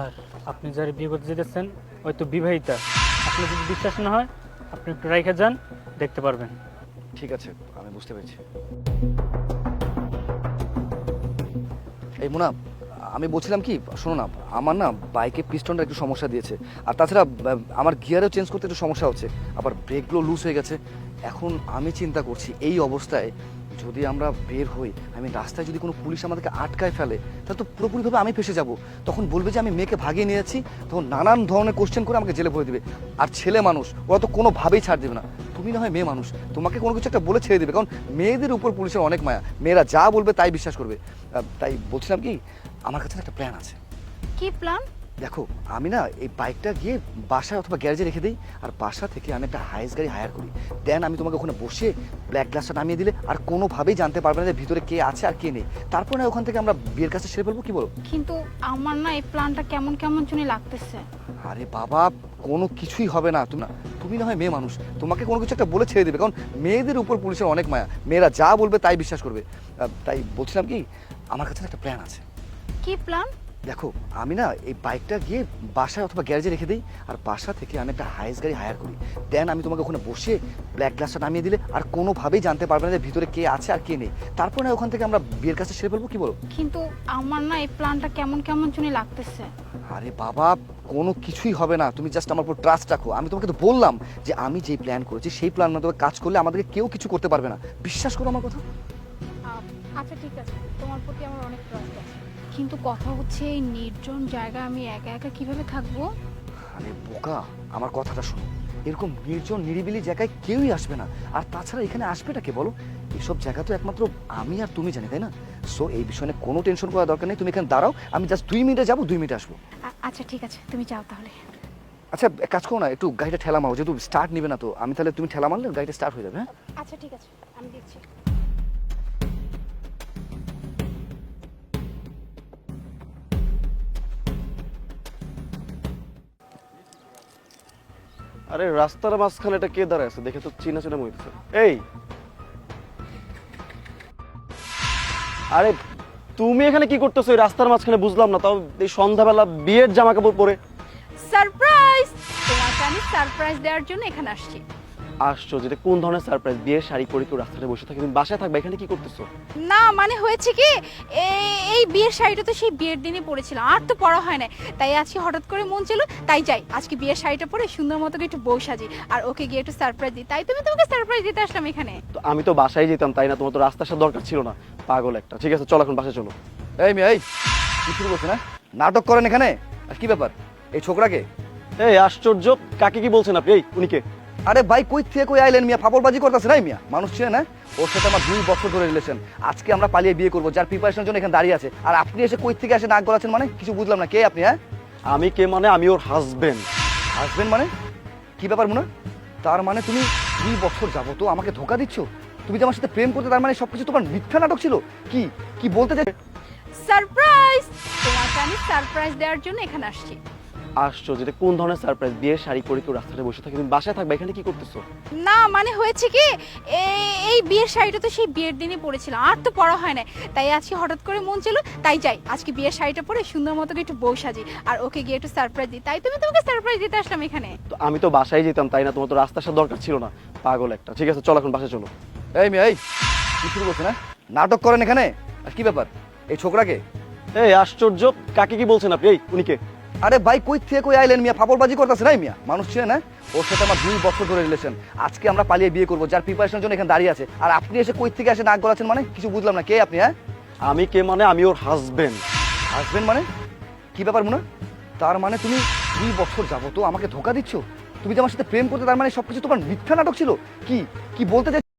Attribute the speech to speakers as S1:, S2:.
S1: Sir, আপনি যারা বিয়ে করতে যেতেছেন হয়তো বিবাহিতা। আপনার যদি বিশ্বাস না হয় আপনি একটু রাইখা যান, দেখতে পারবেন।
S2: ঠিক আছে, আমি বুঝতে পেরেছি। এই মুনা, আমি বলছিলাম কি, শোনো না, আমার না বাইকে পিস্টনটা একটু সমস্যা দিয়েছে, আর তাছাড়া আমার গিয়ারও চেঞ্জ করতে একটু সমস্যা হচ্ছে, আবার ব্রেকগুলো লুজ হয়ে গেছে। এখন আমি চিন্তা করছি এই অবস্থায় যদি আমরা বের হই, আমি রাস্তায় যদি কোনো পুলিশ আমাদেরকে আটকায় ফেলে তাহলে তো পুরোপুরিভাবে আমি ফেসে যাব। তখন বলবে যে আমি মেয়েকে ভাগিয়ে নিয়ে যাচ্ছি, তখন নানান ধরনের কোশ্চেন করে আমাকে জেলে ভরে দিবে। আর ছেলে মানুষ, ওরা তো কোনোভাবেই ছাড় দেবে না। তুমি না হয় মেয়ে মানুষ, তোমাকে কোনো কিছু একটা বলে ছেড়ে দেবে, কারণ মেয়েদের উপর পুলিশের অনেক মায়া, মেয়েরা যা বলবে তাই বিশ্বাস করবে। তাই বলছিলাম কি, আমার কাছে একটা প্ল্যান আছে।
S3: কি প্ল্যান?
S2: দেখো, আমি না এই বাইকটা গিয়ে বাসায় অথবা গ্যারেজে রেখে দিই, আর বাসা থেকে আমি একটা হাইস গাড়ি হায়ার করি। দেন আমি তোমাকে ওখানে বসে ব্ল্যাক গ্লাসটা নামিয়ে দিলে আর কোনোভাবেই জানতে পারবে না যে ভিতরে কে আছে আর কে নেই। তারপর না ওখান থেকে আমরা বিয়ের কাছে সেরে ফেলবো, কি বলো?
S3: কিন্তু আমার না এই প্ল্যানটা কেমন কেমন জন্য লাগতেছে।
S2: আরে বাবা, কোনো কিছুই হবে না। তুমি না হয় মেয়ে মানুষ, তোমাকে কোনো কিছু একটা বলে ছেড়ে দেবে, কারণ মেয়েদের উপর পুলিশের অনেক মায়া, মেয়েরা যা বলবে তাই বিশ্বাস করবে। তাই বলছিলাম কি, আমার কাছে একটা প্ল্যান আছে।
S3: কি প্ল্যান?
S2: দেখো, আমি না এই বাইকটা গিয়ে বাসায় অথবা গ্যারেজে রেখে দিই, আর বাসা থেকে আমি একটা হাইস গাড়ি হায়ার করি। দেন আমি তোমাকে ওখানে বসে ব্ল্যাক গ্লাসটা নামিয়ে দিলে আর কোনোভাবেই জানতে পারবে না যে ভিতরে কে আছে আর কে নেই। তারপর না ওখান থেকে আমরা বিয়ের কাছে সেরে ফেলবো, কি বলো?
S3: কিন্তু আমার না এই প্ল্যানটা কেমন কেমন জন্য লাগতেছে।
S2: আরে বাবা, কোনো কিছুই হবে না, তুমি জাস্ট আমার উপর ট্রাস্ট রাখো। আমি তোমাকে তো বললাম যে আমি যেই প্ল্যান করেছি সেই প্ল্যান মতো কাজ করলে আমাদেরকে কেউ কিছু করতে পারবে না। বিশ্বাস করো আমার কথা।
S3: আচ্ছা ঠিক আছে, তোমার প্রতি আমার অনেক ট্রাস্ট আছে, কিন্তু কথা হচ্ছে এই নির্জন জায়গায় আমি একা একা কিভাবে থাকবো?
S2: আরে বোকা, আমার কথাটা শোনো, এরকম নির্জন নিরিবিলি জায়গায় কেউই আসবে না। আর তাছাড়া এখানে আসবেটা কে বলো? এসব জায়গা তো একমাত্র আমি আর তুমি জানি, তাই না? সো এই বিষয়ে নিয়ে কোনো টেনশন করার দরকার নেই। তুমি এখানে দাঁড়াও, আমি জাস্ট 2 মিনিটে যাবো, 2 মিনিটে আসবো।
S3: আচ্ছা ঠিক আছে, তুমি যাও তাহলে।
S2: আচ্ছা, এক কাজ করো না, একটু গাড়িটা ঠেলা মারো, যেহেতু স্টার্ট নিবে না তো আমি, তাহলে তুমি ঠেলা মারলে গাড়িটা স্টার্ট হয়ে যাবে। হ্যাঁ,
S3: আচ্ছা ঠিক আছে, আমি দেখছি।
S4: আরে রাস্তার মাঝখানে এটা কে দাঁড়ায় আছে? দেখে তো চিনা চিনা মনে হচ্ছে। এই, আরে তুমি এখানে কি করতেছো এই রাস্তার মাঝখানে? বুঝলাম না। তাও এই সন্ধ্যাবেলা বিয়ের জামা কাপড় পরে?
S3: সারপ্রাইজ! তোমাকে আমি সারপ্রাইজ দেওয়ার জন্য এখানে আসছি।
S4: আসছো, যেটা কোন ধরনের সারপ্রাইজ? বিয়ের শাড়ি পরে কেউ রাস্তায় বসে থাকে, তুমি বাসায় থাকবে, এখানে কি করতেছো?
S3: না মানে হয়েছে কি, এই বিয়ের শাড়িটা তো সেই বিয়ের দিনই পরেছিলাম, আর তো পরা হয় না। তাই আজকে হঠাৎ করে মন ছিল, তাই যাই আজকে বিয়ের শাড়িটা পরে সুন্দর মতো করে একটু বউ সাজি আর ওকে গিয়ে একটু সারপ্রাইজ দিই। তাই তোমাকে সারপ্রাইজ দিতে আসলাম এখানে।
S4: তো আমি তো বাসায় যেতাম, তাই না? তোমার তো রাস্তার সাথে দরকার ছিল না, পাগল একটা। ঠিক আছে, চলো এখন বাসায় চলো।
S2: এই মেয়ে, এই কি শুরু করছে না? নাটক করেন এখানে? আর কি ব্যাপার, এই ছোকরাকে?
S4: এই আশ্চর্য, কাকে কি বলছেন আপনি? এই উনিকে?
S2: আরে ভাই, কই থেকে কই আইলেন মিয়া? ফাপড়বাজি করতেছে না মিয়া? মানুষ ছিলেন না? ওর সাথে আমার 2 বছর ধরে রিলেশন। আজকে আমরা পালিয়ে বিয়ে করবো, যার প্রিপারেশনের জন্য এখানে দাঁড়িয়ে আছে। আর আপনি এসে কই থেকে এসে নাক গলাচ্ছেন মানে? কিছু বুঝলাম না, কে আপনি? হ্যাঁ,
S4: আমি কে মানে? আমি ওর হাজবেন্ড।
S2: হাজবেন্ড মানে? কি ব্যাপার মুনা? তার মানে তুমি 2 বছর যাবো তো আমাকে ধোকা দিচ্ছ? তুমি যে আমার সাথে প্রেম করতে, তার মানে সবকিছু তোমার মিথ্যা নাটক ছিল? কি কি বলতে চাই?
S3: সারপ্রাইজ! তোমাকে আমি সারপ্রাইজ দেওয়ার জন্য এখানে আসছি।
S4: আসছো, যেটা কোন ধরনের সারপ্রাইজ? বিয়ের শাড়ি পরে কেউ রাস্তায় বসে থাকে, তুমি বাসায় থাকবে, এখানে কি করতেছো?
S3: না মানে হয়েছে কি, এই বিয়ের শাড়িটা তো সেই বিয়ের দিনই পরেছিলাম, আর তো পরা হয় না। তাই আজকে হঠাৎ করে মন ছিল, তাই যাই আজকে বিয়ের শাড়িটা পরে সুন্দর মতো করে একটু বউ সাজি আর ওকে গিয়ে একটু সারপ্রাইজ দিই। তাই তোমাকে সারপ্রাইজ দিতে আসলাম এখানে।
S4: তো আমি তো বাসায় যেতাম, তাই না? তোমার তো রাস্তার সাথে দরকার ছিল না, পাগল একটা। ঠিক আছে, চলো এখন বাসায় চলো।
S2: এই মেয়ে, এই কি শুরু করছে না? নাটক করেন এখানে? আর কি ব্যাপার, এই ছোকরাকে?
S4: এই আশ্চর্য, কাকে কি বলছেন আপনি? এই উনিকে?
S2: আরে ভাই, কই থেকে কই আইলেন মিয়া? ফাপড়বাজি করতেছে না মিয়া? মানুষ ছিলেন না? ওর সাথে আমার 2 বছর ধরে রিলেশন। আজকে আমরা পালিয়ে বিয়ে করবো, যার প্রিপারেশনের জন্য এখানে দাঁড়িয়ে আছে। আর আপনি এসে কই থেকে এসে নাক গলাচ্ছেন মানে? কিছু বুঝলাম না, কে আপনি? হ্যাঁ,
S4: আমি কে মানে? আমি ওর হাজবেন্ড।
S2: হাজবেন্ড মানে? কি ব্যাপার মুনা? তার মানে তুমি 2 বছর যাবো তো আমাকে ধোকা দিচ্ছ? তুমি যে আমার সাথে প্রেম করতে, তার মানে সবকিছু তোমার মিথ্যা নাটক ছিল? কি কি বলতে চাই?